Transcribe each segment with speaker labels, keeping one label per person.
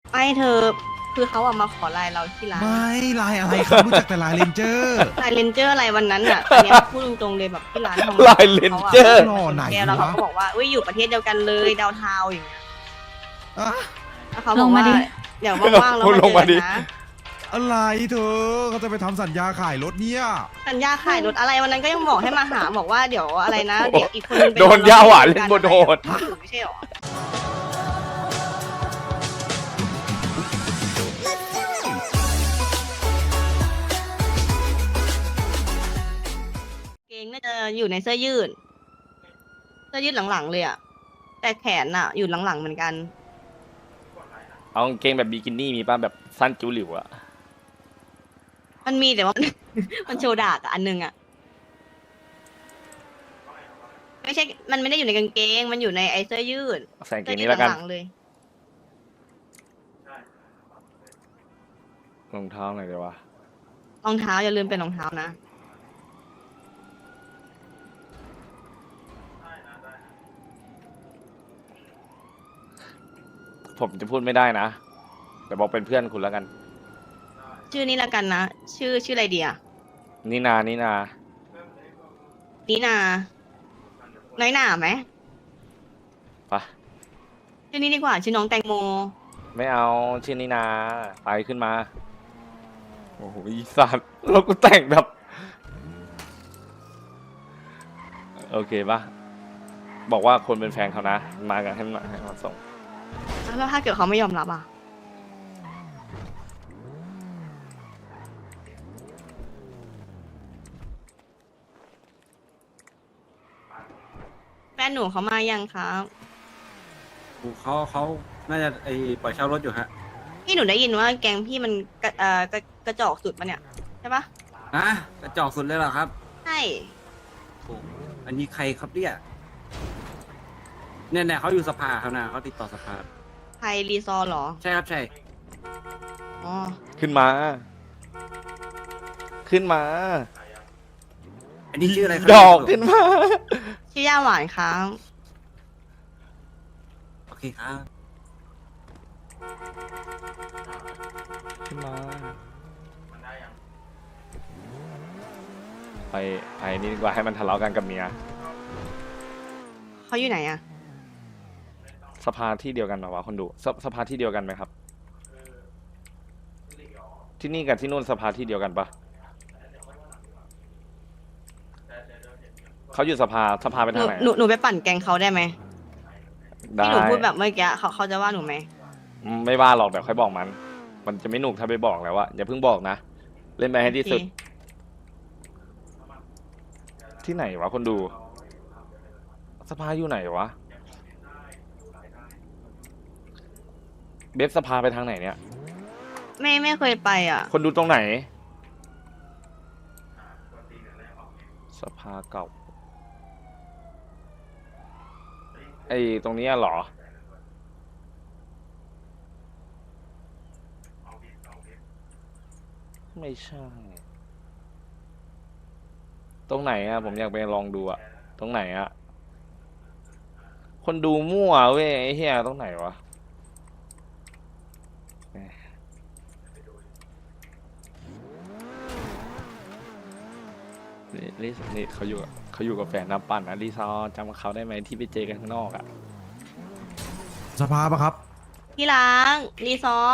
Speaker 1: ไม่เธอคือเขาอะมาขอไลน์เราที่ร้าน
Speaker 2: ไม่ลายอะไรครับรู้จักแต่ลายเรนเจอร์
Speaker 1: ไลน์เลนเจอร์อะไรวันนั้นอะอันเนี้ยพูดตรงๆเลยแบบที่ร้านทอง
Speaker 3: ลายเลนเจอร์
Speaker 2: หล่อไหน
Speaker 1: แกแล้วเขา
Speaker 2: วะ
Speaker 1: ก็บอกว่าอุ้ยอยู่ประเทศเดียวกันเลยดาวเทาวน์อย่างเงี้ย
Speaker 2: อะ
Speaker 1: แล้วเขาบอกว่าเดี๋ยวว่างๆเรา
Speaker 3: คุณ
Speaker 1: มา
Speaker 3: ลง
Speaker 1: เจอ
Speaker 3: มา
Speaker 1: กั
Speaker 3: ดิ
Speaker 1: นนะ
Speaker 2: อะไรเธอเขาจะไปทำสัญญาขายรถเนี่ย
Speaker 1: สัญญาขายรถอะไรวันนั้นก็ยังบอกให้มาหาบอกว่าเดี๋ยวอะไรนะเดี๋ยวอีกคนนึงไป
Speaker 3: โดนยาหวานเล่นบนโหด
Speaker 1: ไม่ใช่หรอเกงน่าจะอยู่ในเสื้อยืดหลังๆเลยอะแต่แขนอะอยู่หลังๆเหมือนกัน
Speaker 3: เอากางเกงแบบบิกินี่มีป่ะแบบสั้นจิ๋วหลิวอะ
Speaker 1: มันมีแต่ว่า มันโชว์ดากอะอันนึงอะไม่ใช่ มันไม่ได้อยู่ในกางเกง มันอยู่ในไอเสื้อยืด
Speaker 3: ใส่กางเก
Speaker 1: เสื้อง ยื
Speaker 3: นี้
Speaker 1: ด
Speaker 3: แล้วกัน
Speaker 1: หลังๆเลย
Speaker 3: รองเท้าหน่อยเดี๋ยววะ
Speaker 1: รองเท้าอย่าลืมเป็นรองเท้านะ
Speaker 3: ผมจะพูดไม่ได้นะแต่บอกเป็นเพื่อนคุณแล้วกัน
Speaker 1: ชื่อนี้ละกันนะ ชื่ออะไรดีอะ
Speaker 3: นี่นานี่นา
Speaker 1: นีนา น้อยหนาไหม
Speaker 3: ปะ
Speaker 1: ชื่อนี้ดีกว่า ชื่อน้องแตงโม
Speaker 3: ไม่เอาชื่อนี่นาไปขึ้นมาโอ้โหอีสัตว์เราก็แต่งแบบโอเคปะบอกว่าคนเป็นแฟนเขานะมากันให้มาส่ง
Speaker 1: แล้วถ้าเกิดเขาไม่ยอมรับอะแฟนหนูเขามายังครับ
Speaker 4: เขาน่าจะปล่อยเช่ารถอยู่ฮะ
Speaker 1: พี่หนูได้ยินว่าแกงพี่มันกระจอกสุดปะเนี่ย ใช่ปะ
Speaker 4: อ่ะกระจอกสุดเลยเหรอครับ
Speaker 1: ใช่
Speaker 4: โอ้อันนี้ใครครับเนี่ยเนี่ยเขาอยู่สภาครับนะเขาติดต่อสภา
Speaker 1: ไทยรีซอร์เหรอ
Speaker 4: ใช่ครับใช่
Speaker 1: อ๋อ
Speaker 3: ขึ้นมา ขึ้นมา
Speaker 4: อันนี้ชื่ออะไรครั
Speaker 3: ดอกขึ้นมา
Speaker 1: ชื่อย่าหวานครับ
Speaker 4: โอเคครับ
Speaker 3: ขึ้นมาไปนี่ดีกว่าให้มันทะเลาะกันกับเมีย
Speaker 1: เขาอยู่ไหนอะ
Speaker 3: สภาที่เดียวกันเหรอวะคนดูสภาที่เดียวกันไหมครับ ที่นี่กับที่นู่นสภาที่เดียวกันปะเขาอยู่สภาไป
Speaker 1: หนู
Speaker 3: ทางไหน
Speaker 1: หนูไปปั่นแกงเขาได้ไหม
Speaker 3: ได้
Speaker 1: ที่หนูพูดแบบเมื่อกี้เขาจะว่าหนูไหม
Speaker 3: ไม่ว่าหรอกเดี๋ยวค่อยบอกมัน มันจะไม่หนุกถ้าไปบอกแล้วว่าอย่าเพิ่งบอกนะ เล่นไปให้ที่สุด ที่ไหนวะคนดู สภาอยู่ไหนวะเบฟสภาไปทางไหนเนี่ย
Speaker 1: ไม่เคยไปอ่ะ
Speaker 3: คนดูตรงไหน สภาเก่าไอ้ตรงนี้เหรอ ไม่ใช่ ตรงไหนอะผมอยากไปลองดูอะตรงไหนอะคนดูมั่วเว้ยไอ้เหี้ยตรงไหนวะนี่เขาอยู่กับแฟนน้ำปั่นนะรีซอร์จำเขาได้ไหมที่ไปเจอกันข้างนอกอะ
Speaker 2: สภาปะครับ
Speaker 1: ที่ล้างรีซอร์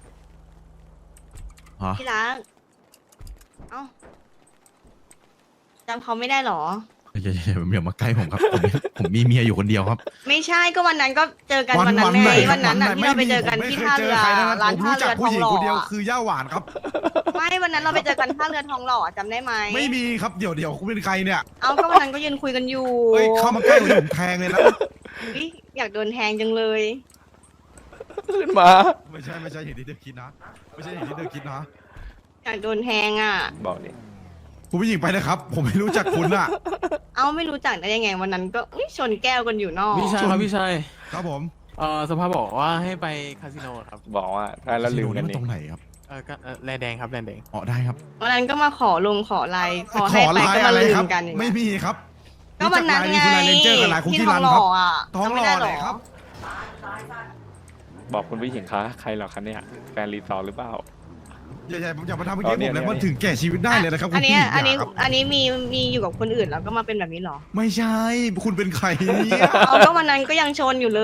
Speaker 2: ฮะ
Speaker 1: ที่ล้างเอ้าจำเขาไม่ได้เหรอ
Speaker 2: อย่ามาใกล้ผมครับผมมีเมียอยู่คนเดียวครับ
Speaker 1: ไม่ใช่ก็วันนั้นก็เจอกันวันนั้นไงวันนั้นน่ะที่เราไปเจอกันที่ท่าเรือร้าน
Speaker 2: ผม
Speaker 1: ท่า
Speaker 2: รู้จั
Speaker 1: เรื
Speaker 2: ก
Speaker 1: อท
Speaker 2: ผู้
Speaker 1: อง
Speaker 2: หญิ
Speaker 1: ห
Speaker 2: ง
Speaker 1: ล่อ
Speaker 2: คนเดียว
Speaker 1: อะ
Speaker 2: คือย่าหวานครับ
Speaker 1: ไม่วันนั้นเราไปเจอกันท่าเรือทองหล่ออะจำได้ไหม
Speaker 2: ไม่มีครับเดี๋ยวคุณเป็นใครเนี่ย
Speaker 1: เอาก็วันนั้นก็ยืนคุยกันอยู่
Speaker 2: เฮ้ยเข้ามาใกล้ผมแทงเลยนะ
Speaker 1: อุ๊ยอยากโดนแทงจังเลย
Speaker 3: ขึ้นมา
Speaker 2: ไม่ใช่อย่างที่เธอคิดนะไม่ใช่อย่างที่เธอคิดนะ
Speaker 1: อยากโดนแทงอ่ะ
Speaker 3: บอกดิ
Speaker 2: คุณผู้หญิงไปนะครับ ผมไม่รู้จักคุณอะ
Speaker 1: เอาไม่รู้จักได้ยังไงวันนั้นก็อุ๊ยชนแก้วกันอยู่นอก
Speaker 5: พี่ชายครับพี่ชาย
Speaker 2: ครับผม
Speaker 5: สภาบอกว่าให้ไปคาสิโนครับ
Speaker 3: บอกว่าถ้าแล้วลืมกัน
Speaker 2: มั
Speaker 3: นี่
Speaker 2: ตรงไหนครับ
Speaker 5: ก็แลแดงครับแลแดง
Speaker 2: อ๋อได้ครับ
Speaker 1: วันนั้นก็มาขอลงขอไลน์พอให้ไป
Speaker 2: ลาย
Speaker 1: ก็มา
Speaker 2: อะไร
Speaker 1: ลื
Speaker 2: ครั
Speaker 1: มกันอย่าง
Speaker 2: ไม่
Speaker 1: เงี้ย
Speaker 2: มีครับ
Speaker 1: ก็วันนั้นไง
Speaker 2: รู้จักลายนี้คือลายเลนเจอร์กับลายคุก
Speaker 1: ที่
Speaker 2: กี้
Speaker 1: ทอ
Speaker 2: รั
Speaker 1: ง
Speaker 2: น
Speaker 1: หล่
Speaker 2: ครั
Speaker 1: อบ อ่ะ
Speaker 2: ท้อง
Speaker 1: จำ
Speaker 2: ห
Speaker 1: ไม่
Speaker 2: ล่อ
Speaker 1: ได้หร
Speaker 2: ไหน
Speaker 1: อ
Speaker 2: ครับ
Speaker 3: บอกคุณผู้หญิงคะใครเหรอคะเนี่ยแฟนรีซอร์หรือเปล่า
Speaker 2: อย่ามาทำเมื่อกี้
Speaker 3: เอาเนี่
Speaker 2: ผ
Speaker 3: ย
Speaker 2: มเลย
Speaker 3: เนี่ย
Speaker 2: มันถึงแก่ชีวิตได้เลยนะครับ
Speaker 1: อันนี้
Speaker 2: คุณพี่
Speaker 1: อันนี้
Speaker 2: ย่าครับ
Speaker 1: อันนี้มีอยู่กับคนอื่นแล้วก็มาเป็นแบบนี้เหรอ
Speaker 2: ไม่ใช่คุณเป็นใครเนี่ย
Speaker 1: เอาก็วันนั้นก็ยังชนอยู่เลย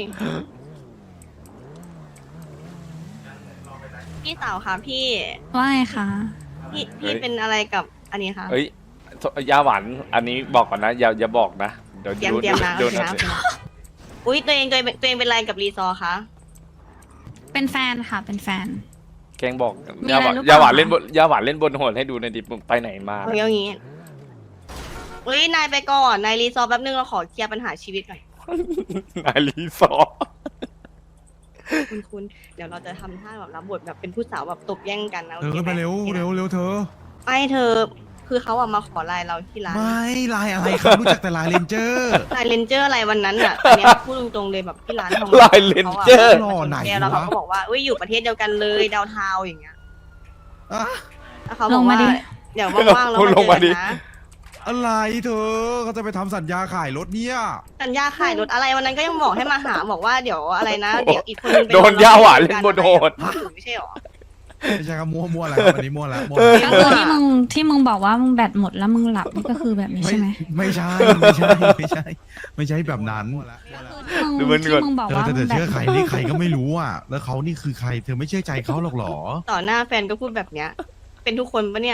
Speaker 1: พี่สาวคะพี่
Speaker 6: ว่าไงคะ
Speaker 1: พี่เป็นอะไรกับอันนี้คะ
Speaker 3: เอ้ยยาหวานอันนี้บอกก่อนนะอย่าบอกนะเดี๋ยว
Speaker 1: เตรียมนะ
Speaker 3: โด
Speaker 1: โอน เคนะโอเคนะอุ้ยตัวเองเป็นอะไรกับรีซอร์คะ
Speaker 6: เป็นแฟนค่ะ เป็นแฟน
Speaker 3: แกงบอก
Speaker 6: มี
Speaker 3: ยา
Speaker 6: อะไร
Speaker 3: หวาน
Speaker 6: หรือเปล่า
Speaker 3: ยาหวานเล่นบนยาหวานเล่นบนโหดให้ดูในอยดิมึงไปไหนมา
Speaker 1: เอาอย่างงี้อุ้ยนายไปก่อนนายรีซอร์แป๊บนึงเราขอเคลียร์ปัญหาชีวิตหน่อย
Speaker 3: นายรีซอร์
Speaker 1: คุณเดี๋ยวเราจะทำท่าแบบรับบทแบบเป็นผู้สาวแบบตบแย่งกันนะ
Speaker 2: เธอขึ้นไปเร็วเร็วเร็วเธอ
Speaker 1: ไม่เธอ คือเขาอะมาขอไลน์เราที่ร้าน
Speaker 2: ไม่ลายอะไรครับรู้จักแต่ลายเลนเจอร์
Speaker 1: ไลน์เลนเจอร์อะไรวันนั้นอะอันเนี้ยพูดตรงๆเลยแบบที่ร้านทอง
Speaker 3: ลายเลนเจอร์
Speaker 2: หล่อไหน
Speaker 1: แล้วเขา
Speaker 2: วะ
Speaker 1: ก็บอกว่าเอ้ยอยู่ประเทศเดียวกันเลยดาวเทาวน์อย่างเงี้ย
Speaker 2: อะ
Speaker 1: แล้วเขาบอก
Speaker 6: ลงมา
Speaker 1: ว่า
Speaker 6: ดิ
Speaker 1: เดี๋ยวว่างๆเรามาเจอกันนะ
Speaker 2: อะไรเธอเขาจะไปทำสัญญาขายรถเนี่ย
Speaker 1: สัญญาขายรถอะไรวันนั้นก็ยังบอกให้มาหาบอกว่าเดี๋ยวอะไรนะเดี๋ยวอีกคนนึงไป
Speaker 3: โดนยาหวานเล่นบนโหด
Speaker 1: ไม่ใช่หรอ
Speaker 2: ไม่ใช่ครับมั่วอะไรครับอันนี้มั่วแล้วมั่ว
Speaker 6: ก็คือที่มึงบอกว่ามึงแบตหมดแล้วมึงหลับนี่ก็คือแบบนี้ใช่ไหม
Speaker 2: ไม่ใช่ไม่ใช่แบบนั้น
Speaker 3: ดูมัน
Speaker 6: ที่
Speaker 3: ก่อน
Speaker 6: มึงบอก
Speaker 2: เธอ
Speaker 6: ว่า
Speaker 2: จะ
Speaker 6: มึงแบต
Speaker 2: เชื่อใครนี่ใครก็ไม่รู้อ่ะ แล้วเขานี่คือใคร เธอไม่เชื่อใจเขาหรอกหรอ
Speaker 1: ต่อหน้าแฟนก็พูดแบบเนี้ย เป็นทุกคนปะเนี่ย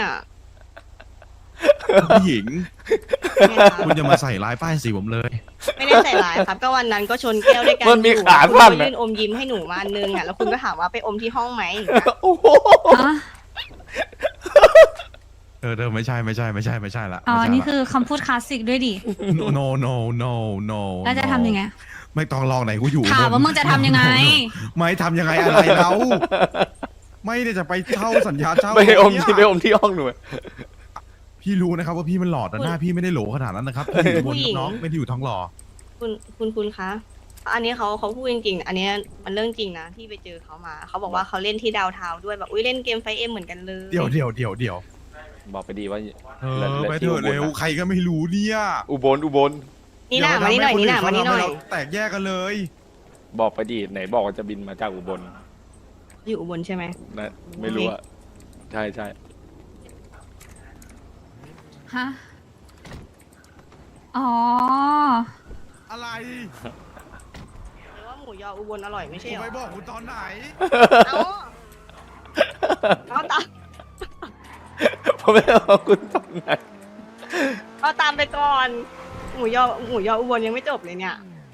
Speaker 2: ผู้หญิง
Speaker 1: ไม่คะ
Speaker 2: คุณจะมาใส่ร้ายป้ายสีผมเลย
Speaker 1: ไม่ได้ใส่ร้ายครับ ก็วันนั้นก็ชนแก้วด้วยกัน
Speaker 3: มันมี
Speaker 1: อยู่
Speaker 3: ขา
Speaker 1: คุณ
Speaker 3: สั้น
Speaker 1: ก็
Speaker 3: อะ
Speaker 1: ยื่นอมยิ้มให้หนูมาอันนึงอ่ะแล้วคุณก็ถามว่าไปอมที่ห้องไหม
Speaker 3: โอ้โห
Speaker 6: อ๋อ
Speaker 2: เธอไม่ใช่ละ
Speaker 6: อ๋อ
Speaker 2: ไม่ใช่ละ
Speaker 6: นี่คือคำพูดคลาสสิกด้วยดิ
Speaker 2: no
Speaker 6: แล้วจะทำยังไง
Speaker 2: ไม่ต้องลองไหนกูอยู่
Speaker 6: ถามว่ามึงจะทำยังไง
Speaker 2: ไม่ทำยังไงอะไรแล้วไม่ได้จะไปเช่าสัญญาเช่า
Speaker 3: ไปอม
Speaker 2: เนี่ย
Speaker 3: ที่ไปอมที่ห้องหนู
Speaker 2: พี่รู้นะครับว่าพี่มันหล่อแต่หน้าพี่ไม่ได้โหลขนาดนั้นนะครับพี่อยู่บนน้องไม่ได้อยู่ท้องหล่อ
Speaker 1: คุณคะ อันนี้เขาพูดจริงๆ อันนี้มันเรื่องจริงนะที่ไปเจอเขามา เขาบอกว่าเขาเล่นที่ดาวเทาวน์ด้วยแบบอุ้ยเล่นเกมไฟเอ็มเหมือนกันเลย
Speaker 2: เดี๋ยว
Speaker 3: บอกไปดีว่า
Speaker 2: ไปเถอะเร็วใครก็ไม่รู้เนี่ย
Speaker 3: อุบล
Speaker 1: นี่หน้ามานี่หน่อยนี่หน้ามานี่หน่อย
Speaker 2: แตกแยกกันเลย
Speaker 3: บอกไปดีไหนบอกว่าจะบินมาจากอุบล
Speaker 1: อยู่อุบลใช่ไหม
Speaker 3: นะไม่รู้อะใช่
Speaker 6: ฮะ อ๋อ
Speaker 2: อะไร
Speaker 1: หรือว่าหมูยออุบลอร่อยไม่ใช่
Speaker 2: ผม
Speaker 1: หรอ
Speaker 2: ไปบอกคุณตอนไหน
Speaker 1: เอาเอาตาม
Speaker 3: ผมไม่บอกคุณตอนไหน
Speaker 1: เอาตามไปก่อน หมูยออุบลยังไม่จบเลยเนี่ย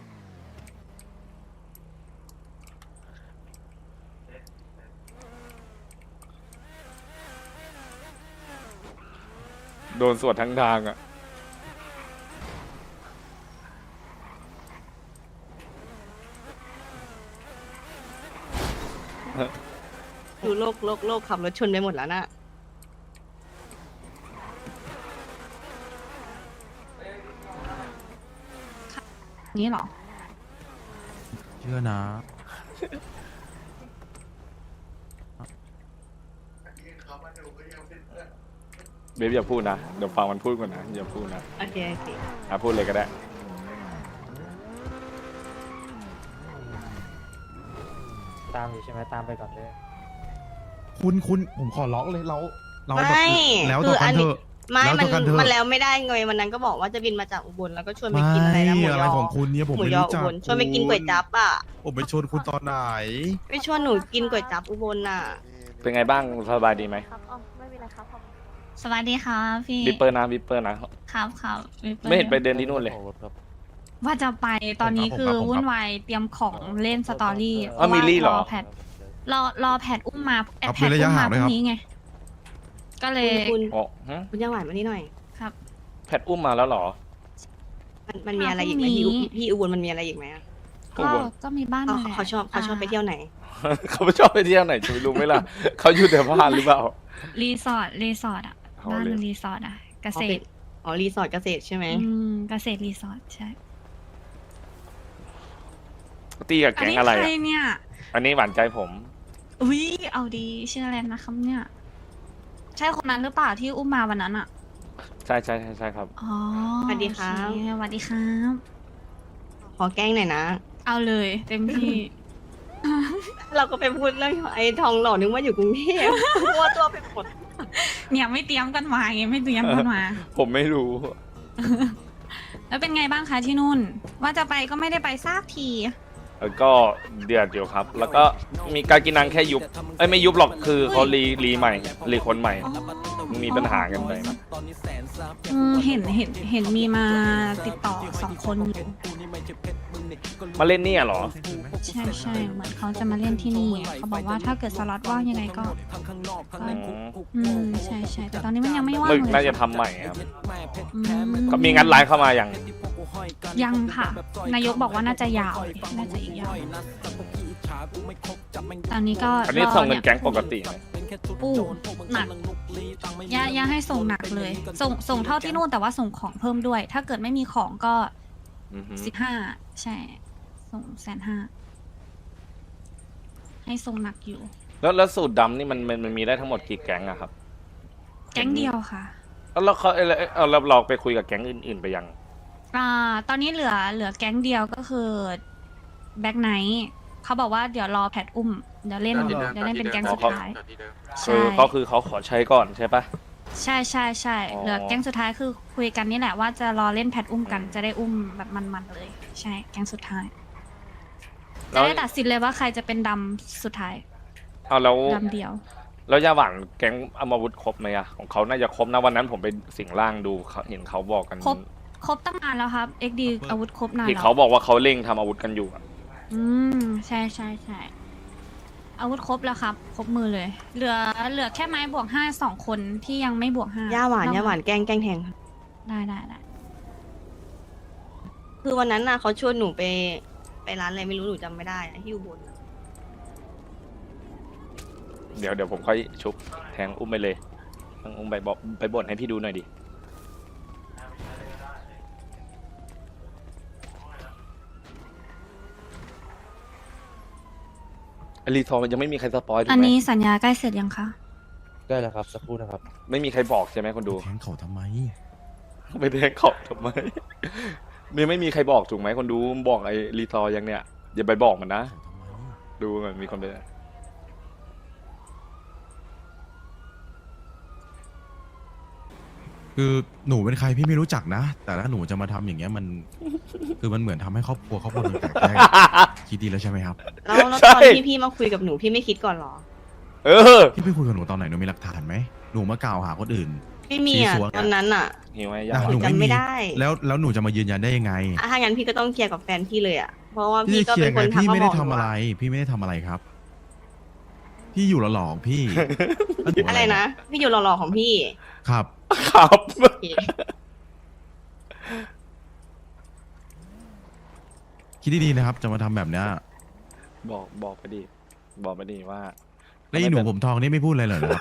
Speaker 3: โดนสวดทั้งทางอะ
Speaker 1: ดูโลกขับรถชนไปหมดแล้วน่ะ
Speaker 6: นี่เหรอ
Speaker 2: เชื่อนะ
Speaker 3: เบฟอย่าพูดนะเดี๋ยวฟังมันพูดก่อนนะอย่าพูดนะ
Speaker 1: โอเคโอเค
Speaker 3: พูดเลยก็ได้
Speaker 7: ตามอยู่ใช่ไหมตามไปก่อนเลย
Speaker 2: คุณผมขอร้องเลยเรา
Speaker 1: ไม่
Speaker 2: แล้ว
Speaker 1: คื
Speaker 2: ต่อ
Speaker 1: ออั
Speaker 2: กัน
Speaker 1: น
Speaker 2: เถ
Speaker 1: นี้
Speaker 2: อะ
Speaker 1: ไม่
Speaker 2: แล้ว
Speaker 1: มัน
Speaker 2: ต่อกันเถอะ
Speaker 1: มันแล้วไม่ได้ไงวันนั้นก็บอกว่าจะบินมาจากอุบลแล้วก็ชวนไป
Speaker 2: ไม่
Speaker 1: กินอะไรนะหมูย
Speaker 2: อะไร
Speaker 1: อ
Speaker 2: ของคุณเนี่ยผม
Speaker 1: หมู
Speaker 2: ไม่
Speaker 1: ยอ
Speaker 2: รู้
Speaker 1: อุ
Speaker 2: จัก
Speaker 1: บลชวนไปกินก๋วยจั๊บอ่ะ
Speaker 2: ผมไปชวนคุณตอนไหน
Speaker 1: ไปชวนหนูกินก๋วยจั๊บอุบลน่ะ
Speaker 3: เป็นไงบ้างสบายดีไหม
Speaker 1: ครับอ๋อไม่เป็นไรครับ
Speaker 6: สวัสดีครับพี่
Speaker 3: วิปเปอร์นะ
Speaker 6: ครับวิปปอร์
Speaker 3: ไม่เห็นไปเดินที่นู่นเลย
Speaker 6: ว่าจะไปตอนนี้คือ
Speaker 2: ผมครับ
Speaker 6: วุ่นวายเตรียมของเล่นสตอรี่
Speaker 3: อ้าวมีลี่เหรอ
Speaker 6: แพทรอแพทอุ้มมาแอ
Speaker 2: เอา
Speaker 6: ดแพ
Speaker 2: เป็น
Speaker 6: ท
Speaker 2: ระยะ
Speaker 6: อุ้ม
Speaker 2: ห่าม
Speaker 6: าง พ
Speaker 2: ด้วยครับ
Speaker 6: รุ่งนี้ไง ก็เลย
Speaker 1: คุณ
Speaker 3: อ๋อฮะ
Speaker 1: คุณย่าหวานมานี่หน่อย
Speaker 6: ครับ
Speaker 3: แพทอุ้มมาแล้วเหรอ
Speaker 1: มันมีอะไรอีกไหม
Speaker 6: พรุ่งนี้
Speaker 1: พี่อุบลมันมีอะไรอีกไหมอะ
Speaker 3: อุ
Speaker 6: ก็
Speaker 3: บล
Speaker 6: ก็มีบ้าน
Speaker 1: เขา
Speaker 6: นั่นแหละ
Speaker 1: เขาชอบไปเที่ยวไหน
Speaker 3: เขาไม่ชอบไปเที่ยวไหนจะไปรู้ไหมล่ะ เขาอยู่แต่บ้านหรือเปล่า
Speaker 6: รีสอร์ทอ่ะ
Speaker 3: เอา
Speaker 6: บ้าน
Speaker 3: เลย
Speaker 6: รีสอร์ทอ่ะเกษตร
Speaker 1: อ๋อรีสอร์ทเกษตรใช่ไหม
Speaker 6: เกษตรรีสอร์ทใช่
Speaker 3: ตีกับ
Speaker 6: อัน
Speaker 3: แก๊ง
Speaker 6: นี้
Speaker 3: อะไร
Speaker 6: ใคร
Speaker 3: อะ
Speaker 6: เนี่ย
Speaker 3: อันนี้หวานใจผม
Speaker 6: อุ้ยเอาดีชื่ออะไรนะครับเนี่ย ใช่คนนั้นหรือเปล่าที่อุ้มมาวันนั้นอ่ะ
Speaker 3: ใช่ครับ
Speaker 6: อ๋อ
Speaker 1: สวัสดีครับ
Speaker 6: โอเสวัสดีครับ
Speaker 1: ขอแกล้งหน่อยนะ
Speaker 6: เอาเลยเต็มที่
Speaker 1: เราก็ไปพูดเรื่องไอ้ทองหล่อนึกว่าอยู่กรุงเทพมัวตัวไปหมด
Speaker 6: เนี่ยไม่เตรียมกันมาไงไม่เตรียมกันมา
Speaker 3: ผมไม่รู้
Speaker 6: แล้วเป็นไงบ้างคะที่นู่น ว่าจะไปก็ไม่ได้ไปซากที
Speaker 3: แล้วก็เดือดอยู่ครับ แล้วก็มีการกินนังแค่ยุบไม่ยุบหรอกคือเขารีใหม่รีคนใหม่ มีปัญหากันไปนะ
Speaker 6: เห็นมีมาติดต่อ2 คนอยู่
Speaker 3: มาเล่นเนี่ยเหรอ
Speaker 6: ใช่เหมือนเขาจะมาเล่นที่นี่เขาบอกว่าถ้าเกิดสล็อตว่างยังไงก็ใช่แต่ตอนนี้มันยังไม่ว่าง
Speaker 3: มึก
Speaker 6: เลย
Speaker 3: น่าจะทำใหม่ครับ
Speaker 6: อื
Speaker 3: ก็มีงัดไลน์เข้ามาอย่าง
Speaker 6: ยังค่ะ นายกบอกว่าน่าจะยาวน่าจะอีกยาวตอนนี้ก็
Speaker 3: อันนี้ส่งเงินแก๊งปกติไหม
Speaker 6: ปูหนักย่าให้ส่งหนักเลย ส่งเท่าที่นู่นแต่ว่าส่งของเพิ่มด้วย ถ้าเกิดไม่มีของก็
Speaker 3: อือฮึ
Speaker 6: 15ใช่ ส่ง150,000ให้ส่งหนักอยู่
Speaker 3: แล้วสูตรดำนี่มันมีได้ทั้งหมดกี่แก๊งอะครับ
Speaker 6: แก๊งเดียวค่ะ
Speaker 3: แล้วเขาเราลองไปคุยกับแก๊งอื่นๆไปยัง
Speaker 6: ตอนนี้เหลือแก๊งเดียวก็คือแบ็คไนท์เขาบอกว่าเดี๋ยวรอแพทอุ้มเดี๋ยวเล่นเป็นแก๊งสุดท้าย ใช่
Speaker 3: ก็คือเขาขอใช้ก่อนใช่ปะ
Speaker 6: ใช่
Speaker 3: อ๋อ
Speaker 6: เหลือแก๊งสุดท้ายคือคุยกันนี่แหละว่าจะรอเล่นแพทอุ้มกันจะได้อุ้มแบบมันๆเลย ใช่แก๊งสุดท้ายจะได้ตัดสินเลยว่าใครจะเป็นดำสุดท้าย
Speaker 3: เอาแล้ว
Speaker 6: ดำเดียว
Speaker 3: แล้วยาหวานแก๊งอาวุธครบไหมอะของเขาน่าจะครบนะวันนั้นผมไปสิงร่างดูเห็นเขาบอกกัน
Speaker 6: ครบตั้งนานแล้วครับ XD อาวุธครบนาน
Speaker 3: ที่
Speaker 6: แล้
Speaker 3: เขา
Speaker 6: ว
Speaker 3: บอกว่าเขาเร่งทำอาวุธกันอยู่อะ
Speaker 6: ใช่อาวุธครบแล้วครับ ครบมือเลย เหลือแค่ไม้บวก5 2 คนที่ยังไม่บวก5
Speaker 1: ย่าหวานแกล้งแทง
Speaker 6: ได้
Speaker 1: คือวันนั้นน่ะเขาชวนหนูไปร้านอะไรไม่รู้หนูจำไม่ได้อะที่อยู่บน
Speaker 3: เดี๋ยวผมค่อยชุบแทงอุ้มไปเลยต้องอุ้มไปบอกไปบ่นให้พี่ดูหน่อยดิอลีทองยังไม่มีใครสปอยถูก
Speaker 6: อัน
Speaker 3: ไหม
Speaker 6: นี้สัญญาใกล้เสร็จยังคะ
Speaker 7: ได้แล้วครับสักครู่นะครับ
Speaker 3: ไม่มีใครบอกใช่ไหมคนดู
Speaker 2: แทงเขาทำไม
Speaker 3: ไปแทงเขาทำไมเนี่ยไม่มีใครบอกถูกไหมคนดูบอกไอ้รีทอยังเนี่ยอย่าไปบอกมันนะ
Speaker 2: เขาทำไม
Speaker 3: ดูมันมีคนไป
Speaker 2: คือหนูเป็นใครพี่ไม่รู้จักนะ แต่ถ้าหนูจะมาทำอย่างเงี้ยมัน คือมันเหมือนทำให้ครอบครัวหนึ่งแตกแยกคิดดีแล้วใช่ไหมครับ
Speaker 1: แล้วตอนที่พี่มาคุยกับหนูพี่ไม่คิดก่อนเหรอ
Speaker 3: เออ
Speaker 2: พี่ไปคุยกับหนูตอนไหนหนูมีหลักฐานไหมหนูมากล่าวหาคนอื่น
Speaker 1: ไม่มีอ่ะ
Speaker 2: ซีซัว
Speaker 1: ตอนนั้นอ่ะ
Speaker 3: หิวไหม
Speaker 2: อ่ะ
Speaker 3: ยาว
Speaker 2: หนู
Speaker 1: จำไม่ได้
Speaker 2: แล้วหนูจะมายืนยันได้ยังไง
Speaker 1: ถ้างั้นพี่ก็ต้องเคลียร์กับแฟนพี่เลยอ่ะ เพราะว่า
Speaker 2: พี่
Speaker 1: พี่
Speaker 2: จะ
Speaker 1: ก็
Speaker 2: เคลีย
Speaker 1: เป็น
Speaker 2: ร์
Speaker 1: ค
Speaker 2: ไง
Speaker 1: นทัก
Speaker 2: พี่
Speaker 1: มา
Speaker 2: ไม่
Speaker 1: บ
Speaker 2: ได้
Speaker 1: อกห
Speaker 2: ทำ
Speaker 1: นู
Speaker 2: อะไร
Speaker 1: อะ
Speaker 2: พี่ไม่ได้ทำอะไรครับ พี่อยู่หล่อๆของพี่แล้วหนู
Speaker 1: อะไรนะ พี่อยู่หล่อๆของพี่
Speaker 2: ครับ
Speaker 3: ครับ
Speaker 1: โอเค
Speaker 2: คิดดีๆนะครับ จะมาทำแบบเนี้ย
Speaker 3: บอกไปดิบอกไปดิว่า
Speaker 2: แล้วอีหนูผมทองนี่ไม่พูดอะไรเลยเหรอครับ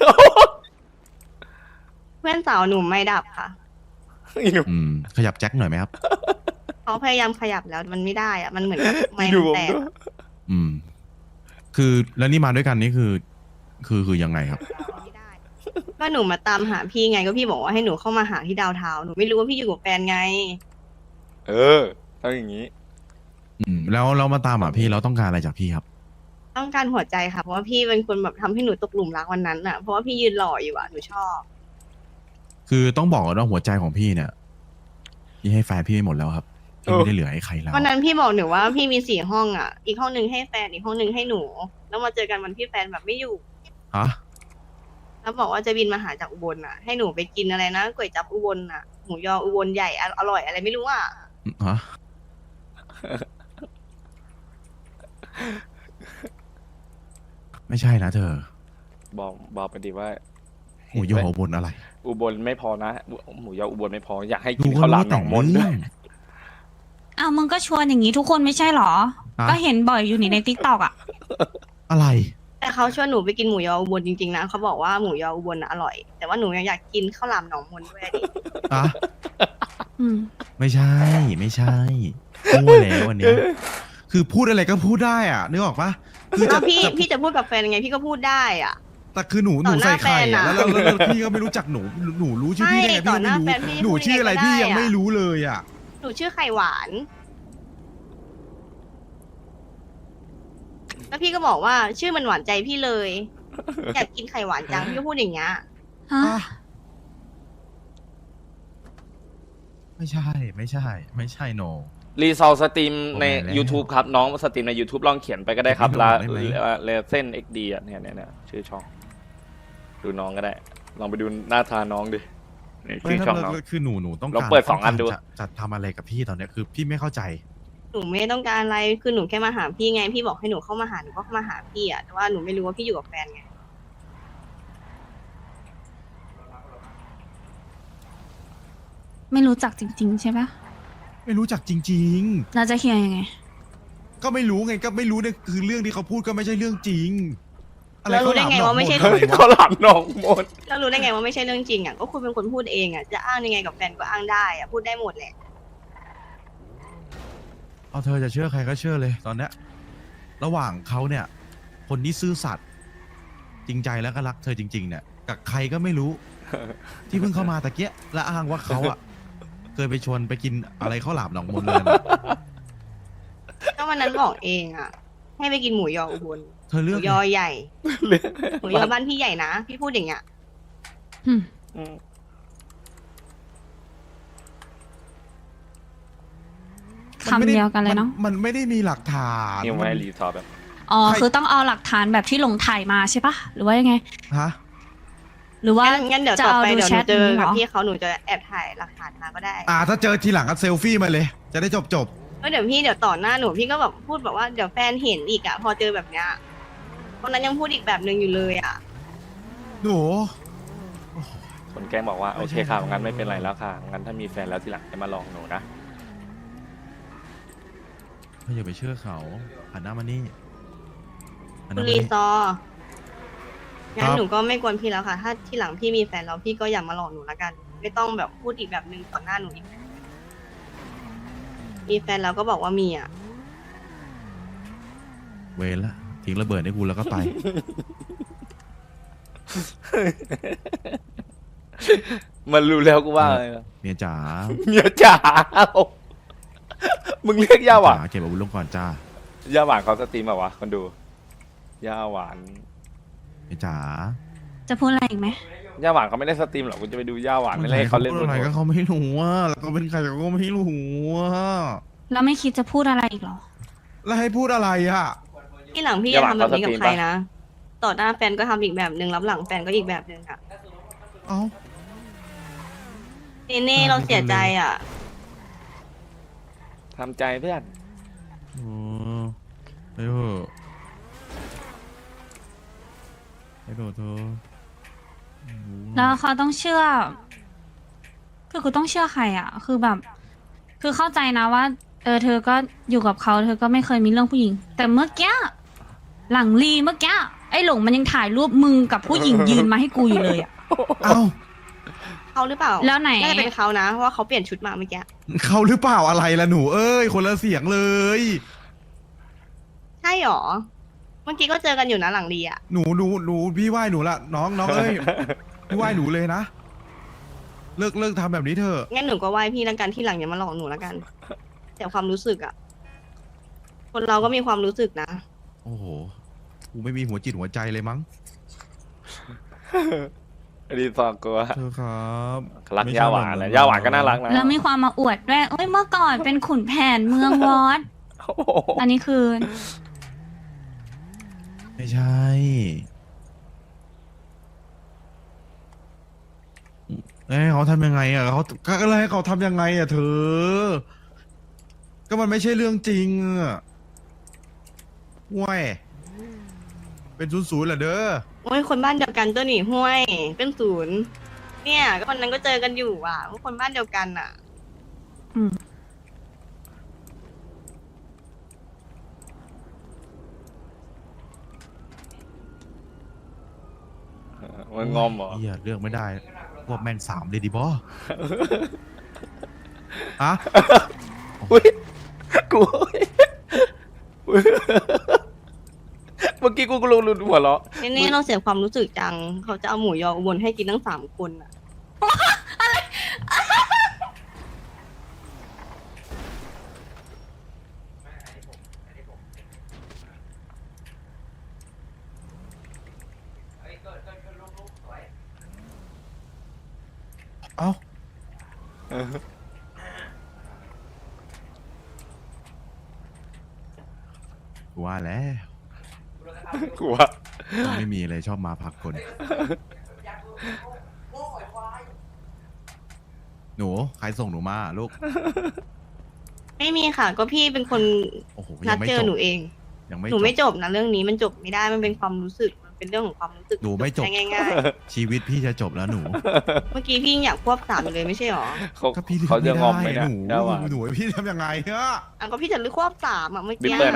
Speaker 1: เพื่อนสาวหนูไม่ดับค่ะ
Speaker 3: อีหนู
Speaker 2: ขยับแจ็คหน่อยไหมครับ
Speaker 1: เขาพยายามขยับแล้วมันไม่ได้อ่ะ มันเหมือนกับไม้
Speaker 3: อีหนู
Speaker 1: มัน
Speaker 3: ผม
Speaker 1: แตก
Speaker 3: ด้วย
Speaker 2: คือแล้วนี่มาด้วยกันนี่คือยังไงครับ
Speaker 1: ไม่ได้ ก็หนูมาตามหาพี่ไงก็พี่บอกว่าให้หนูเข้ามาหาที่ดาวเทาวน์หนูไม่รู้ว่าพี่อยู่กับแฟนไง
Speaker 3: เออต้องอย่างนี้
Speaker 2: แล้วเรามาตามพี่เราต้องการอะไรจากพี่ครับ
Speaker 1: ต้องการหัวใจค่ะ เพราะว่าพี่เป็นคนแบบทำให้หนูตกหลุมรักวันนั้นอ่ะ เพราะว่าพี่ยืนหล่ออยู่อ่ะ หนูชอบ
Speaker 2: คือต้องบอกก่อนว่าหัวใจของพี่เนี่ยพี่ให้แฟนพี่ไปหมดแล้วครับพี่ไม่ได้เหลือให้ใครแล้ว
Speaker 1: วันนั้นพี่บอกหนูว่าพี่มี4 ห้องอ่ะ อีกห้องหนึ่งให้แฟน อีกห้องหนึ่งให้หนู แล้วมาเจอกันวันที่แฟนแบบไม่อยู่
Speaker 2: ฮะ
Speaker 1: แล้วบอกว่าจะบินมาหาจากอุบลอ่ะ ให้หนูไปกินอะไรนะก๋วยจั๊บอุบลอ่ะ หมูยออุบลใหญ่อร่อยอะไรไม่รู้อ่ะ
Speaker 2: ฮะไม่ใช่นะเธอ
Speaker 3: บอกไปดิว่า
Speaker 2: หมูยออุบลอะไร
Speaker 3: อุบลไม่พอนะหมูยออุบลไม่พออยากให้
Speaker 2: ดู
Speaker 3: กิน
Speaker 2: ก็
Speaker 3: ข้าวหลา
Speaker 2: รู้
Speaker 3: มหน
Speaker 2: แต่
Speaker 3: อง งมนต์ด้
Speaker 2: เรื่
Speaker 3: ว
Speaker 2: อย ง
Speaker 6: อ้าวมึงก็ชวนอย่างนี้ทุกคนไม่ใช่หรอ
Speaker 2: อะ
Speaker 6: ก็เห็นบ่อยอยู่นี่ในทิกตอกอ่ะ
Speaker 2: อะไร
Speaker 1: แต่เขาชวนหนูไปกินหมูยออุบลจริงๆนะเขาบอกว่าหมูยออุบลน่ะอร่อย แต่ว่าหนูยังอยากกินข้าวหลามหนองมนด้วยดิ
Speaker 2: อะ
Speaker 6: อืม
Speaker 2: ไม่ใช่มั่วแล้วอันเนี้ยคือพูดอะไรก็พูดได้อ่ะนึกออกปะคือ
Speaker 1: แล้
Speaker 2: จะ
Speaker 1: วพี่จะพูดกับแฟนยังไงพี่ก็พูดได้อ่ะ
Speaker 2: แต่คือหนู
Speaker 1: ต่อหน้า
Speaker 2: ใส่ไข่
Speaker 1: แฟน
Speaker 2: อะ
Speaker 1: อะ
Speaker 2: แล้วพี่ก็ไม่รู้จักหนูรู้ชื่อพี่ได้ไง
Speaker 1: ใช่
Speaker 2: พี่ก็ไม่
Speaker 1: ต่อหน้า
Speaker 2: รู้
Speaker 1: แฟนพี่
Speaker 2: หนูชื่ออะไร
Speaker 1: พูด
Speaker 2: พี่
Speaker 1: ยังไงก็ได้
Speaker 2: ยังไม่
Speaker 1: อะ
Speaker 2: รู้เลยอ่ะ
Speaker 1: หนูชื่อไข่หวานแล้วพี่ก็บอกว่าชื่อมันหวานใจพี่เลย อยากกินไข่หวานจังพี่ก็พูดอย่างเงี้ย
Speaker 6: ฮะ
Speaker 2: อ่ะไม่ใช่ไม่ใช่ ไม่ใช่โน
Speaker 3: รีซอลสตรีมใน
Speaker 2: โอ้แม่แล้ว
Speaker 3: YouTube ครับน้องสตรีมใน YouTube ลองเขียนไปก็ได้ครับ
Speaker 2: ไม่
Speaker 3: ลา
Speaker 2: ได้ไหม
Speaker 3: เลเซนเอ็กดีอ่ะเนี่ยชื่อช่อง ดูน้องก็ได้ ลองไปดูหน้าตาน้องดินี่
Speaker 2: ไม่
Speaker 3: ชื่อ
Speaker 2: ถ้า
Speaker 3: ช่องน้อง
Speaker 2: คือหนูต้อง
Speaker 3: ลอง
Speaker 2: การ
Speaker 3: เปิดสองอันดู
Speaker 2: จะทำอะไรกับพี่ตอนเนี้ยคือพี่ไม่เข้าใจ
Speaker 1: หนูไม่ต้องการอะไรคือหนูแค่มาหาพี่ไงพี่บอกให้หนูเข้ามาหาหนูก็เข้ามาหาพี่อะแต่ว่าหนูไม่รู้ว่าพี่อยู่กับแฟนไง
Speaker 6: ไม่รู้จักจริง ๆ ใช่ปะ
Speaker 2: ไม่รู้จักจริง
Speaker 6: เราจะเคลียร์ยังไง
Speaker 2: ๆ ก็ไม่รู้ไงก็ไม่รู้เนี่ยคือเรื่องที่เขาพูดก็ไม่ใช่เรื่องจริง
Speaker 1: แล้วรู้ได้ไงว่าไม่ใช่
Speaker 2: อะไรวะ
Speaker 3: เขาหลับน้องหมด
Speaker 1: แล้วรู้ได้ไงว่าไม่ใช่เรื่องจริงอะก็คุณเป็นคนพูดเองอะจะอ้างยังไงกับแฟนก็อ้างได้อะพูดได้หมดแหละ
Speaker 2: เอาเธอจะเชื่อใครก็เชื่อเลยตอนเนี้ยระหว่างเขาเนี่ย คนที่ซื่อสัตย์จริงใจแล้วก็รักเธอจริง ๆ เนี่ย กับใครก็ไม่รู้ ที่เพิ่งเข้ามาตะเกียและอ้างว่าเขาอ่ะ เคยไปชวนไปกินอะไรข้าวหลามหนองมนเลยนะ
Speaker 1: ก็วันนั้นบอกเองอะให้ไปกินหมูยออุบล
Speaker 2: เธอ
Speaker 1: ห
Speaker 2: เลื
Speaker 1: มู
Speaker 2: อก
Speaker 1: ยอใหญ่หมูยอบ้านพี่ใหญ่นะพี่พูดอย่างเงี้ย
Speaker 6: อืม
Speaker 3: อืม
Speaker 6: คำเดียวกันเลยเนาะ
Speaker 2: มันไม่ได้มีหลักฐาน
Speaker 3: นี่ไม่ให้รีซอลแบบ
Speaker 6: อ๋อ
Speaker 2: ใคร
Speaker 6: คือต้องเอาหลักฐานแบบที่หลงถ่ายมาใช่ปะหรือว่ายังไง
Speaker 2: ฮะ
Speaker 6: หรือว่า
Speaker 1: งั้นเดี๋ยว
Speaker 6: จะ
Speaker 1: ต่อ
Speaker 6: เอา
Speaker 1: ไป
Speaker 6: ดู
Speaker 1: เดี๋ยว
Speaker 6: แช
Speaker 1: หนู
Speaker 6: ท
Speaker 1: เจอ
Speaker 6: นี้เหร
Speaker 1: กับ
Speaker 6: อ
Speaker 1: พี่เขาหนูจะแอบถ่ายหลักฐานมาก็ได้
Speaker 2: ถ้าเจอทีหลังก็เซลฟี่มาเลย จะได้จบ
Speaker 1: ก็เดี๋ยวพี่เดี๋ยวต่อหน้าหนูพี่ก็แบบพูดแบบว่าเดี๋ยวแฟนเห็นอีกอะพอเจอแบบเนี้ยวันนั้นยังพูดอีกแบบหนึ่งอยู่เลยอะ
Speaker 2: หนู
Speaker 3: คนแกล้งบอกว่าโอเคค่ะงั้นไม่เป็นไรแล้วค่ะงั้นถ้ามีแฟนแล้วทีหลังจะมาลองหนูนะ
Speaker 2: เธออย่าไปเชื่อเขาหันหน้ามานี่หันห
Speaker 1: คุ
Speaker 2: น้า
Speaker 1: ณ
Speaker 2: มา
Speaker 1: รี
Speaker 2: นี่
Speaker 1: ซอร์งั้
Speaker 2: คน รับ
Speaker 1: หนูก็ไม่กวนพี่แล้วค่ะ ถ้าที่หลังพี่มีแฟนแล้วพี่ก็อย่ามาหลอกหนูละกัน ไม่ต้องแบบพูดอีกแบบหนึ่งต่อหน้าหนูอีกมีแฟนแล้วก็บอกว่ามีอ่ะ
Speaker 2: เวรละทิ้งระเบิดให้กูแล้วก็ไป
Speaker 3: มันรู้แล้วกูว่าอะไรนะ
Speaker 2: เมียจ๋า
Speaker 3: เมียจ๋ามึงเรียกย่าหวาน
Speaker 2: จ๋าเก็บอาวุธลงก่อนจ้า
Speaker 3: ย่าหวานเขาสตรีมแบบวะคนดูย่าหวาน
Speaker 2: เมียจ๋า
Speaker 6: จะพูดอะไรอีกไหม
Speaker 3: ย่าหวานเขาไม่ได้สตรีมหรอกกูจะไปดูย่าหวานไม่เล่นเขาเล่น
Speaker 2: พูดอะไรก็เขาไม่รู้ว่าแล้วก็เป็นใครก็ไม่รู้ว่า
Speaker 6: แล้วไม่คิดจะพูดอะไรอีกเหรอ
Speaker 2: แล้วให้พูดอะไรอ่ะ
Speaker 1: ที่หลังพี่อย่าทำแบบนี้กับใครนะ ต่อหน้าแฟนก็ทำอีกแบบหนึ่งรับหลังแฟนก็อีกแบบหนึ่งอ่ะ
Speaker 2: เอ้า
Speaker 1: เน่เราเสียใจอ่ะ
Speaker 3: ทำใจเพื่อน
Speaker 2: เออไปเถอะไปเถอะเธอ
Speaker 6: แล้วเขาต้องเชื่อ คือกูต้องเชื่อใครอ่ะ คือแบบ คือเข้าใจนะว่า เธอก็อยู่กับเขาเธอก็ไม่เคยมีเรื่องผู้หญิง แต่เมื่อกี้หลังรีเมื่อกี้ไอ้หลงมันยังถ่ายรูปมึงกับผู้หญิงยืนมาให้กูอยู่เลยอ่ะ
Speaker 2: เอ้า
Speaker 1: เขาหรือเปล่า
Speaker 6: แล้วไหน
Speaker 1: น่าจะเป็นเขานะเพราะว่าเขาเปลี่ยนชุดมาเมื่อกี้
Speaker 2: เขาหรือเปล่าอะไรล่ะหนูเอ้ยคนละเสียงเลย
Speaker 1: ใช่หรอ เมื่อกี้ก็เจอกันอยู่นะหลังรีอ่ะ
Speaker 2: หนูพี่ไหว้หนูละน้องเอ้ยพี่ไหว้หนูเลยนะเลิกทำแบบนี้เถอะ
Speaker 1: งั้นหนูก็ไหว้พี่แล้วกันที่หลังอย่ามาหลอกหนูแล้วกัน แต่ความรู้สึกอ่ะ คนเราก็มีความรู้สึกนะ
Speaker 2: โอ้โหกูไม่มีหัวจิตหัวใจเลยมั้ง
Speaker 3: รีซอร์กูว่า
Speaker 2: เธอครับ
Speaker 3: รัก
Speaker 2: ไม่ใช่
Speaker 3: ย่าหวาน
Speaker 2: แบบ
Speaker 3: นะย่าหวานก็น่ารักนะ
Speaker 6: แล้วมีความมาอวดด้วยเอ้ยเมื่อก่อนเป็นขุนแผนเมืองวอด
Speaker 3: โอ้โห
Speaker 6: อันนี้คือ
Speaker 2: ไม่ใช่เขาทำยังไงอ่ะเขาก็อะไรให้เขาทำยังไงอ่ะเธอ ก็มันไม่ใช่เรื่องจริงอ่ะห่วยเป็นศูนย์เหรอเด้อ
Speaker 1: โอ้ยคนบ้านเดียวกันตัวหนีห้วย เป็นศูนย์ เนี่ย ก็วันนั้นก็เจอกันอยู่อ่ะว่าคนบ้านเดียวกันอ่ะ
Speaker 6: อืม
Speaker 3: มันงอมเหรอ
Speaker 2: เฮียเลือกไม่ได้พวกแม่ง3เลยดิบออะ
Speaker 3: อุ้ยกูเมื่อกี้กูลงรุนหัวเราะ
Speaker 1: นี่เราเสียความรู้สึกจัง เขาจะเอาหมูยออุบลให้กินทั้ง3 คนอ่ะ
Speaker 2: เอ้ากูว่าแล้ว
Speaker 3: กูว่า
Speaker 2: ไม่มีอะไรชอบมาพักคน หนูใครส่งหนูมาลูก
Speaker 1: ไม่มีค่ะ ก็พี่เป็นคน
Speaker 2: โอ้โห
Speaker 1: นั
Speaker 2: ยั
Speaker 1: ด
Speaker 2: งไม่
Speaker 1: เจ
Speaker 2: จ
Speaker 1: อบ หนูเอง
Speaker 2: ยังไม่
Speaker 1: หนูไม่
Speaker 2: จ
Speaker 1: จ
Speaker 2: บบ
Speaker 1: นะเรื่องนี้มันจบไม่ได้มันเป็นความรู้สึกมันเป็นเรื่องของความรู้สึก
Speaker 2: หนูไม่จบ
Speaker 1: ใช่ง่าย
Speaker 2: ชีวิตพี่จะจบแล้วหนู
Speaker 1: ๆ เมื่อกี้พี่ยังอยากควบ3อยู่เลยไม่ใช่หรอ
Speaker 2: ก็พี่
Speaker 3: เขาจะงอมไหม
Speaker 2: ไม่
Speaker 3: เนี่ย
Speaker 2: ได้
Speaker 3: ได้ว่า
Speaker 2: หนูให้พี่ทำยังไงอะ
Speaker 1: อ่ะก็พี่จะเลือกควบ3อ่ะเมื่อ
Speaker 3: บิ๊
Speaker 1: กี้
Speaker 3: กเลยนะ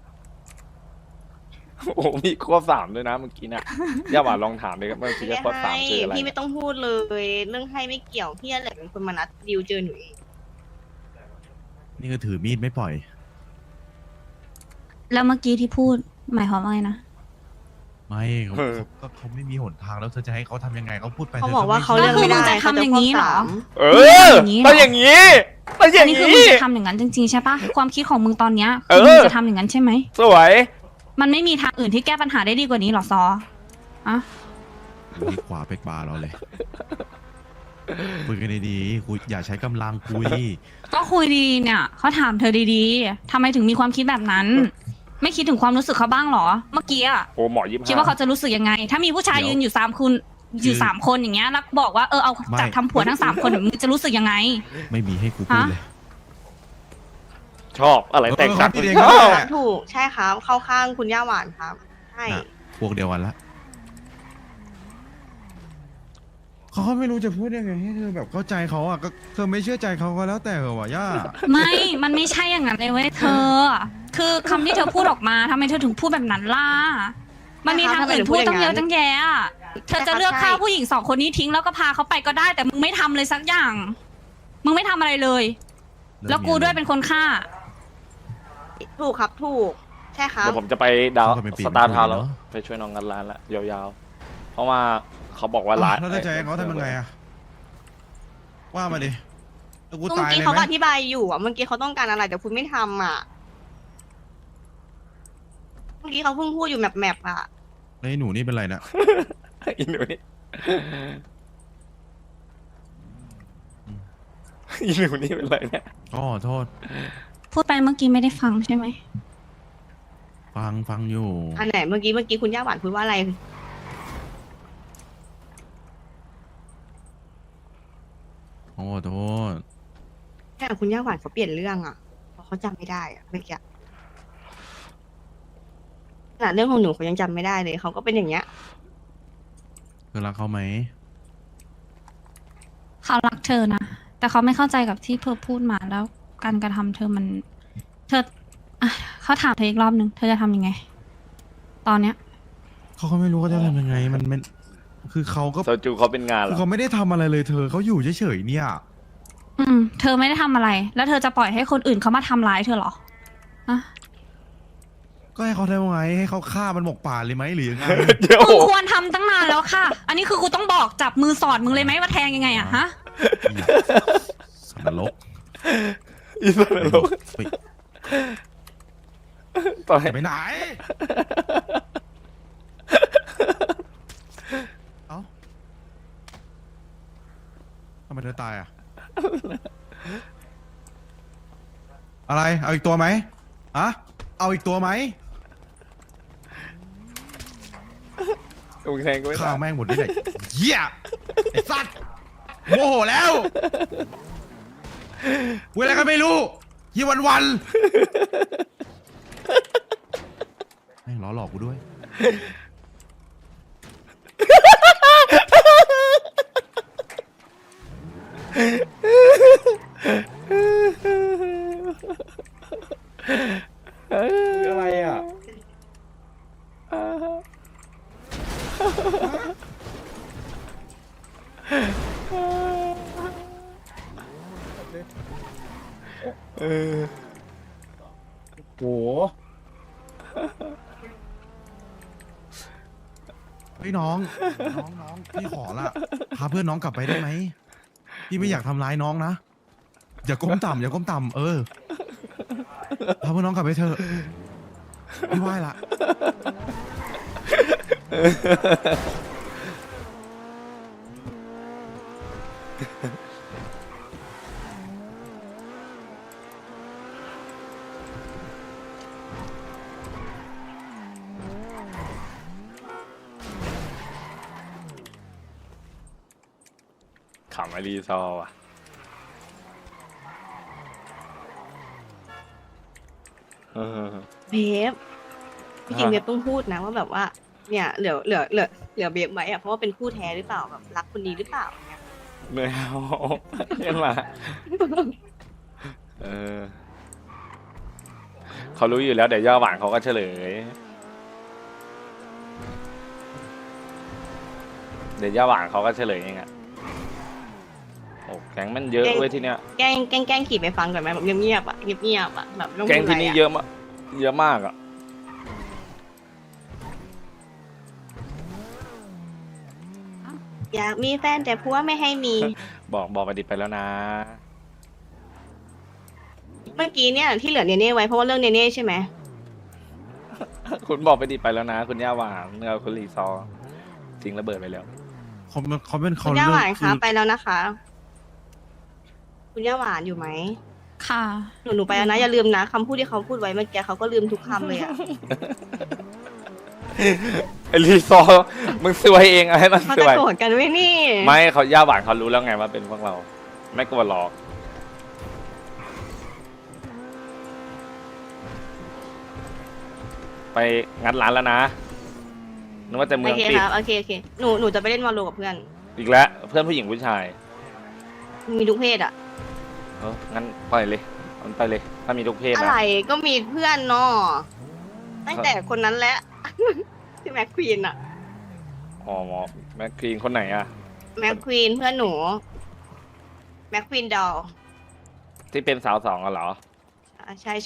Speaker 3: โอ้โหมีควบ3ด้วยนะเมื่อกี้เนี่ยย่าหวานลองถามเลยครับเมื่อกี้
Speaker 1: ไม่
Speaker 3: ควบ
Speaker 1: ให้
Speaker 3: 3คืออะไร
Speaker 1: พี่ไม่ต้องพูดเลย เรื่องให้ไม่เกี่ยวพี่แหละเป็นคนมานัดดิวเจอหนูเอง
Speaker 2: นี่ก็ถือมีดไม่ปล่อย
Speaker 6: แล้วเมื่อกี้ที่พูดหมายความว่าไงนะ
Speaker 2: ไม่เขาไม่มีหนทางแล้วเธอจะให้เขาทำยังไงเขาพูดไป
Speaker 1: เขา
Speaker 2: ธ
Speaker 1: บอกว่าเขา
Speaker 2: ไม่
Speaker 1: เลือกไม่ได้
Speaker 6: ก็คือมึงจะทำอย่างนี้เหรอ
Speaker 3: เออต้องอย่างนี้ต้องอ
Speaker 6: อั
Speaker 3: ย่าน ง
Speaker 6: นี้คือ
Speaker 3: นี้
Speaker 6: มึงจะทำอย่างนั้นจริงๆใช่ปะความคิดของมึงตอนเนี้ย
Speaker 3: เอ
Speaker 6: คือ
Speaker 3: อ
Speaker 6: มึงจะทำอย่างนั้นใช่ไหม
Speaker 3: สวย
Speaker 6: มันไม่มีทางอื่นที่แก้ปัญหาได้ดีกว่านี้หรอซออะ
Speaker 2: อยู่ที่ขวาเป็กบาร์เราเลยคุยกันดีๆคุยอย่าใช้กำลังคุย
Speaker 6: ก็คุยดีเนี่ยเขาถามเธอดีๆทำไมถึงมีความคิดแบบนั้น ไม่คิดถึงความรู้สึกเขาบ้างหรอ เมื่อกี้อะ
Speaker 3: โอ้หมอ25
Speaker 6: คิดว่าเขาจะรู้สึกยังไง ถ้ามีผู้ชาย
Speaker 2: เดี๋ยว
Speaker 6: ยืนอยู่3 คนอยู่3 คนอย่างเงี้ยแล้วบอกว่าเอา
Speaker 2: ไม่
Speaker 6: จับทำผัวทั้ง3 คนมึงจะรู้สึกยังไง
Speaker 2: ไม่มีให้กูพูดเลย
Speaker 3: ชอบอะไรแต่งกัน
Speaker 2: เออเขาคิดเอง
Speaker 3: ช
Speaker 2: ก็
Speaker 3: อบ
Speaker 2: ได้
Speaker 1: ถูกใช่ครับเข้าข้างคุณย่าหวานครับใช่
Speaker 2: น่ะพวกเดียวกันละเขาก็ไม่รู้จะพูดยังไงให้เธอแบบเข้าใจเขาอ่ะก็เธอไม่เชื่อใจเขาก็แล้วแต่เหรอวะย่า
Speaker 6: ไม่ มันไม่ใช่อย่างนั้นเลยเว้ยเธอ คือคำที่เธอพูดออกมาทำไมเธอถึงพูดแบบนั้นล่ะ มันมีทางอื่นพูดตั้งเยอะตั้งแยะอะเธอจะเลือกฆ่าผู้หญิง2 คนนี้ทิ้งแล้วก็พาเขาไปก็ได้ แต่มึงไม่ทำเลยสักอย่าง มึงไม่ทำอะไรเลย แล้วกูด้วยเป็นคนฆ่า
Speaker 1: ถูกครับถูกใช่ครับ
Speaker 3: เดี๋ยวผมจะไปดาว
Speaker 2: เขาก็เป็นปี
Speaker 3: สตาร์ทาวน์
Speaker 2: เป็น
Speaker 3: แล้ว
Speaker 2: ปีเนอะ
Speaker 3: ไปช่วยน้องงานร้านละยาวๆ เพราะว่าเขาบอกว่าร้าน
Speaker 2: แล้วเธอจะให้เขาทำยังไงอ่ะว่ามาดิแล้วกู
Speaker 1: เมื่
Speaker 2: ตา
Speaker 1: อย กี้
Speaker 2: เลย
Speaker 1: เขา
Speaker 2: ไหม
Speaker 1: ก็อธิบายอยู่อ่ะเมื่อกี้เขาต้องการอะไรแต่คุณไม่ทำอ่ะเมื่อกี้เขาเพิ่งพูดอยู่แมปอ่ะ
Speaker 2: แล้วไอ้หนูนี่เป็นไรนะ
Speaker 3: อีหนูนี่อีหนูนี่เป็นไรเนี่ย
Speaker 2: อ๋อโทษ
Speaker 6: พูดไปเมื่อกี้ไม่ได้ฟังใช่ไหม
Speaker 2: ฟังอยู่
Speaker 1: อันไหนเมื่อกี้คุณย่าหวานพูดว่าอะไร
Speaker 2: โอ้โทษ
Speaker 1: แค่คุณย่าหวานเขาเปลี่ยนเรื่องอ่ะเพราะเขาจำไม่ได้อ่ะเมื่อกี้ขนาดเรื่องของหนูเขายังจำไม่ได้เลยเขาก็เป็นอย่างเงี้ย
Speaker 2: เธอรักเขาไหม
Speaker 6: เขารักเธอนะ แต่เขาไม่เข้าใจกับที่เธอพูดมาแล้วการกระทำเธอมัน เธออ่ะเขาถามเธออีกรอบหนึ่งเธอจะทำยังไง ตอนเนี้ย
Speaker 2: เขาก็ไม่รู้เขาจะทำยังไงมันคือเขาก็
Speaker 3: โซจูเขาเป็นงานเหร
Speaker 2: คือ
Speaker 3: อ
Speaker 2: เขาไม่ได้ทำอะไรเลยเธอเขาอยู่เฉยๆเนี่ย
Speaker 6: เธอไม่ได้ทำอะไร แล้วเธอจะปล่อยให้คนอื่นเขามาทำร้ายเธอเหรออะ
Speaker 2: ก็ให้เขาทำยังไงให้เขาฆ่ามันหมกป่าเลยไหมหรือยังไง
Speaker 3: เดี๋ยว
Speaker 6: มึงควรทำตั้งนานแล้วค่ะ อันนี้คือกูต้องบอกจับมือสอดมึงเลยไหมว่าแทงยังไงอะฮะ
Speaker 2: สันนรก
Speaker 3: อีสันนรก
Speaker 2: ไป
Speaker 3: ต่อย
Speaker 2: ไปไหนเอ้าทำไมเธอตายอ่ะอะไรเอาอีกตัวไหมอะเอาอีกตัวไหม
Speaker 3: ลุงแทงก็ไม่
Speaker 2: ข้า
Speaker 3: ได้
Speaker 2: วแม่งหมดที่ไหนเหี้ยไอ้สัตว์โมโหแล้วเวลาก็ไม่รู้ยี่วันแม่งล้อหลอกกูด้วยอะไรอ่ะโหเฮ้ยน้องพี่ขอละพาเพื่อนน้องกลับไปได้ไหมพี่ไม่อยากทำร้ายน้องนะอย่าก้มต่ำเออพาเพื่อนน้องกลับไปเถอะพี่ไหว้ละ
Speaker 3: ขำไอรีซอร์ว่ะเออ
Speaker 1: เบฟจริงๆเบฟต้องพูดนะว่าแบบว่า เนี่ยเหลือเบฟไหมอ่ะเพราะว่าเป็นคู่แท้หรือเปล่าแบบรักคนนี้หรือเปล่าเนี่ย
Speaker 3: ไม่เอาขึ้นมา เออ เขารู้อยู่แล้วเดี๋ยวย่าหวานเขาก็เฉลย เดี๋ยวย่าหวานเขาก็เฉลยเองอะโอ้แก๊งมันเยอะเว้ยที่เนี้ย
Speaker 1: แกล้งขี่ไปฟังก่อนไหมแบบเงียบๆอ่ะเงียบๆอ่ะแบบไม่ต้อง
Speaker 3: แก๊ง
Speaker 1: พูด
Speaker 3: ที่
Speaker 1: อะไร
Speaker 3: นี่
Speaker 1: อ่ะ
Speaker 3: เยอะมากเยอะมากอะ
Speaker 1: อยากมีแฟนแต่ผัวไม่ให้มี
Speaker 3: บอกไปดิไปแล้วนะ
Speaker 1: เมื่อกี้เนี่ยที่เหลือเนเน่ไว้เพราะว่าเรื่องเนเน่ใช่ไหม
Speaker 3: คุณบอกไปดิไปแล้วนะ คุณย่าหวานเงาคุณรีซอร์ทิ้งระเบิดไปแล้ว
Speaker 2: เขาเป็น
Speaker 1: คุ
Speaker 2: เขา
Speaker 1: ณย่า
Speaker 2: เลื
Speaker 1: ห
Speaker 2: อก
Speaker 1: วาน
Speaker 2: คื
Speaker 1: คะ
Speaker 2: อ
Speaker 1: ไปแล้วนะคะ คุณย่าหวานอยู่ไหม
Speaker 6: ค่ะ
Speaker 1: หนูไปแล้วนะอย่าลืมนะคำพูดที่เขาพูดไว้เมื่อกี้เขาก็ลืมทุกคำเลยอ่ะ
Speaker 3: ไอรีซอร์มึงซวยเองอะให้มัน
Speaker 1: เขา
Speaker 3: ซ
Speaker 1: จะ
Speaker 3: วย
Speaker 1: โกรธกันไหมนี่
Speaker 3: ไม่เขาย่าหวานเขารู้แล้วไงว่าเป็นพวกเรา ไม่กลัวหรอกไปงัดร้านแล้วนะนึกว่าแต่เมื
Speaker 1: โอ
Speaker 3: อง
Speaker 1: เค
Speaker 3: ปิด
Speaker 1: ครับโอเคหนูจะไปเล่นวอลโลกับเพื่อน
Speaker 3: อีกแล้วเพื่อนผู้หญิงผู้ชาย
Speaker 1: มีทุกเพศอ่ะ
Speaker 3: งั้นปล่อยเลยมันไปเลย ถ้ามีทุกเพศ
Speaker 1: อะ
Speaker 3: นะ
Speaker 1: ไรก็มีเพื่อนเนาะตั้งแต่คนนั้นแหละ ที่แม็กควีนอะ
Speaker 3: อ๋อหมอแม็กคลีนคนไหนอะ
Speaker 1: แม็กควีนเพื่อนหนูแม็กควีนดอล
Speaker 3: ที่เป็นสาวสองอะเหรอ
Speaker 1: ใช่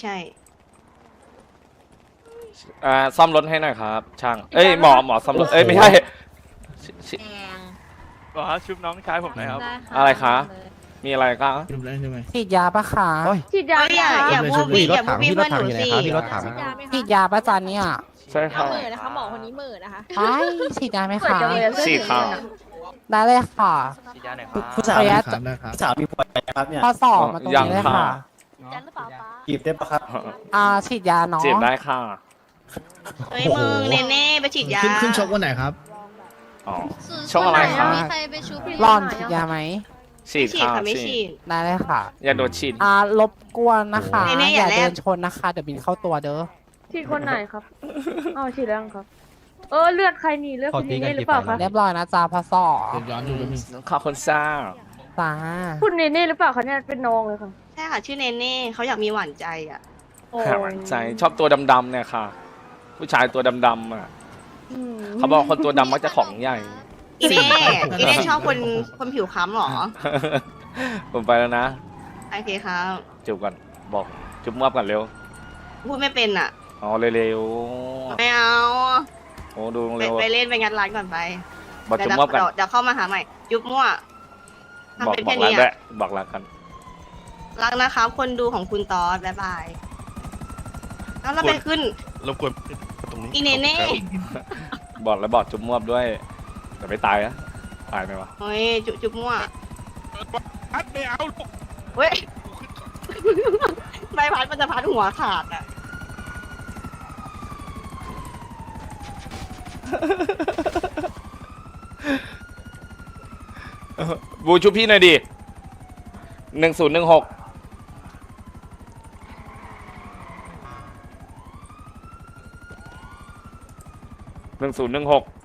Speaker 3: ซ่อมรถให้หน่อยครับ ช่าง เอ้ยหมอซ่อมรถ เอ้ยไม่ใช่ชิ
Speaker 5: บอกว่าชุบน้องชายผมหน่อยครับ
Speaker 3: อะไรคะ มีอะไรก็
Speaker 8: ฉีดยาปะคะ
Speaker 1: ฉีดยาอย่าพูดพี่อย่าพูดพี่เพื่อนหนูสิ
Speaker 8: ฉีดยาปะจันเนี่ย
Speaker 3: ใช่ครับ
Speaker 9: เหม่อนะคะหมอคนนี้เหม่อนะคะ
Speaker 8: ไปฉีดยาไหมคะ
Speaker 3: ฉีดครับ
Speaker 8: ได้เลยค่ะ
Speaker 7: ผู้สาว
Speaker 8: ระยะ
Speaker 7: ผู้สาวมีผัวครับเนี่ย
Speaker 8: พอสอบมาตรงนี้เลยค่ะ
Speaker 9: จันหรือเปล่าป้า
Speaker 7: จีบได้ปะครับ
Speaker 8: ฉีดยาเนาะ
Speaker 3: จีบได้ค่ะ
Speaker 1: เฮ้ยมึงเน่ๆไปฉีดยา
Speaker 7: ขึ้นชกวันไหนครับ
Speaker 3: อ๋อ ช่องอะไรคะ
Speaker 9: มีใครไปชูพี่
Speaker 8: ร่อนฉีดยาไหม
Speaker 3: ฉีด
Speaker 1: ฉีด
Speaker 3: ค่ะ
Speaker 1: ค่ะไม่
Speaker 3: ฉี
Speaker 1: ฉี
Speaker 3: ด
Speaker 1: ด
Speaker 8: ได้เลยค่ะ
Speaker 3: อย่าโดดฉีด
Speaker 8: รบกวนนะคะ
Speaker 1: นี่
Speaker 8: อ
Speaker 1: อย่า
Speaker 8: ย่า
Speaker 1: แลบ
Speaker 8: เดินชนนะคะ เดี๋ยวบินเข้าตัวเด้อ
Speaker 9: ฉีดคนไหนครับอ๋อฉีดแล้วครับ เลือดใครนี่เลือดคุณเนเน่หรือเปล่าคะ
Speaker 8: เรียบร้อยนะจ๊ะพอสอบ
Speaker 3: ขอบคุณซ่า
Speaker 8: จ้า
Speaker 9: คุณเนเน่หรือเปล่าคะเนี่ยเป็นน้องเลยค่ะ
Speaker 1: ใช่ค่ะชื่อเน่ๆเขาอยากมีหวานใจอ่ะ
Speaker 9: โอ้
Speaker 3: หาหวานใจชอบตัวดำๆเนี่ยค่ะ ผู้ชายตัวดำๆอ่ะ
Speaker 9: อืม
Speaker 3: เขาบอกคนตัวดำมักจะของใหญ่
Speaker 1: อีเน่ชอบคนผิวค้ำเหรอ
Speaker 3: ผมไปแล้วนะ
Speaker 1: โอเคครับ
Speaker 3: จูบก่อนบอกจุบมอบก่อนเร็ว
Speaker 1: พูดไม่เป็นอ่ะ
Speaker 3: อ๋อเร็ว
Speaker 1: ไม่เอา
Speaker 3: ๆโอ้ดู
Speaker 1: ไป
Speaker 3: เร็ว
Speaker 1: ไปเล่นไปงัดร้านก่อนไป
Speaker 3: บอกจุบมอบกัน
Speaker 1: เดี๋ยวเข้ามาหาใหม่ ยุบมั่วทำ
Speaker 3: บอก
Speaker 1: เป็น
Speaker 3: บอ
Speaker 1: แค่
Speaker 3: กรัก
Speaker 1: นี้
Speaker 3: ด้วย
Speaker 1: อะ
Speaker 3: บอกรักกัน
Speaker 1: รักนะครับ คนดูของคุณตอสบ๊ายบายแล้วเราไปขึ้น
Speaker 2: รบกวนตรงนี้
Speaker 1: อีเน่
Speaker 3: บอกแล้วบอกจุบมอบด้วยแต่ไม่ตายนะตายไหมวะ
Speaker 1: โอ้ยจุบมั่ว
Speaker 2: ไม่เอา
Speaker 1: เว้ย ใบพัดมันจะพัดหัวขาดอ่ะ
Speaker 3: บูชุบพี่หน่อยดิ1016 1016